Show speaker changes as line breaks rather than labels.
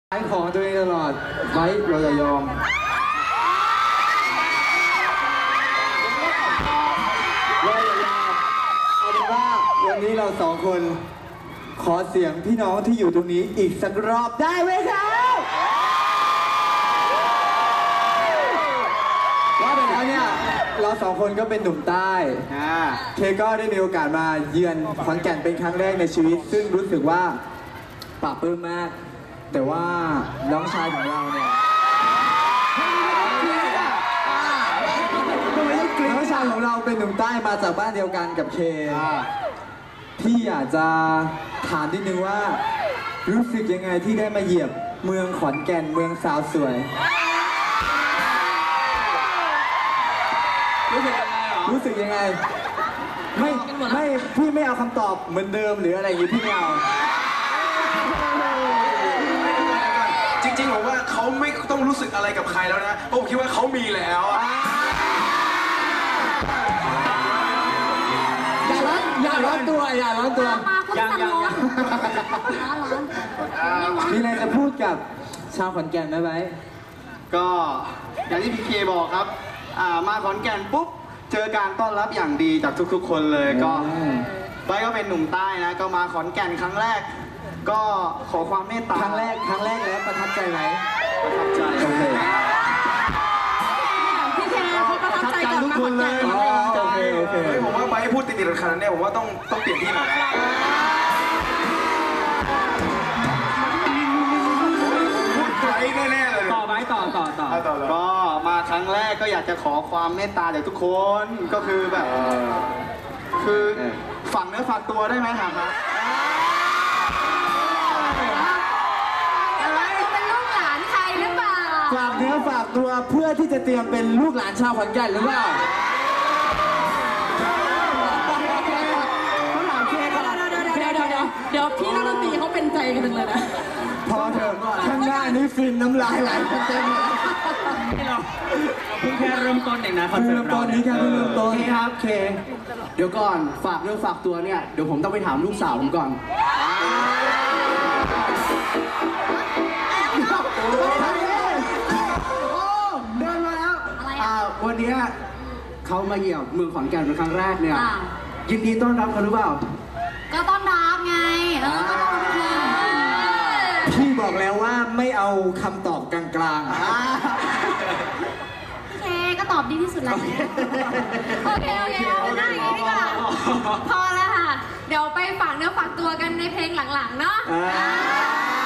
ขายของตัวเองตลอดไว้เราจะยอมเราจะยอมเอาเป็นว่าวันนี้เราสองคนขอเสียงพี่น้องที่อยู่ตรงนี้อีกสักรอบได้ไหมครับว่าไปแล้วเนี่ยเราสองคนก็เป็นหนุ่มใต้เคก็ได้มีโอกาสมาเยือนขอนแก่นเป็นครั้งแรกในชีวิตซึ่งรู้สึกว่าปลาบปลื้มมากแต่ว่าน้องชายของเราเนี่ยน้องชายของเราเป็นหนุ่มใต้มาจากบ้านเดียวกันกับเคพี่อยากจะถามนิดนึงว่ารู้สึกยังไงที่ได้มาเหยียบเมืองขอนแก่นเมืองสาวสวยรู้สึกยังไงหรอรู้สึกยังไงไม่พี่ไม่เอาคำตอบเหมือนเดิมหรืออะไรอย่างนี้พี่ไม่เอา
จริงๆผมว่าเขาไม่ต้องรู้สึกอะไรกับใครแล้วนะเพราะผมคิดว่าเขามีแล้ว
อย่าร้อนตัวยังมีอะไรจะพูดกับชาวขอนแก่นไหมไบร์ท
ก็อย่างที่พีเคบอกครับมาขอนแก่นปุ๊บเจอการต้อนรับอย่างดีจากทุกๆคนเลยก็ไบร์ทก็เป็นหนุ่มใต้นะก็มาขอนแก่นครั้งแรกก็ขอความเมตตา
ครั้งแรกแล้วประทับใจไหม
ประทับใจ
โอเค
พี่เคเขาประทับใจกับมาขอนแก่น
โอเค
ผมว่าไปพูดติดๆขนาดนี้ผมว่าต้องเปลี่ยนที่หน่อยพูดไกลแน่ๆเลย
ต่อ
ก็มาครั้งแรกก็อยากจะขอความเมตตาจากทุกคนก็คือแบบคือฝังเนื้อฝากตัวได้ไหมครับ
ฝากเนื้อฝากตัวเพื่อที่จะเตรียมเป็นลูกหลานชาวขอนแก่นหรือเปล่า
เดี๋ยวพี่นักดนตรีเขาเป็นใจกันเลยนะ
พอเถอะข้างหน้านี้ฟินน้ำลายไหลกันเต็ม
เพิ่งแค่เริ่มต้นเองนะคอนเสิร์ตเรา
นี้แค่เริ่มต้น
ครับเคเดี๋ยวก่อนฝากเรื่องฝากตัวเนี่ยเดี๋ยวผมต้องไปถามลูกสาวผมก่อนเดินมาแล้ววันนี้เขามาเยี่ยมเมืองขอนแก่นเป็นครั้งแรกเนี่ยยินดีต้อนรับเขาหรือเปล่า
ก็ต้อนรับไงก็ต้อนรับ
พี่บอกแล้วว่าไม่เอาคำตอบกลาง
พี่เคก็ตอบดีที่สุดแล้วโอเคเอาหน้าอย่างนี้ดีกว่าพอแล้วค่ะเดี๋ยวไปฝากเนื้อฝากตัวกันในเพลงหลังๆเนาะ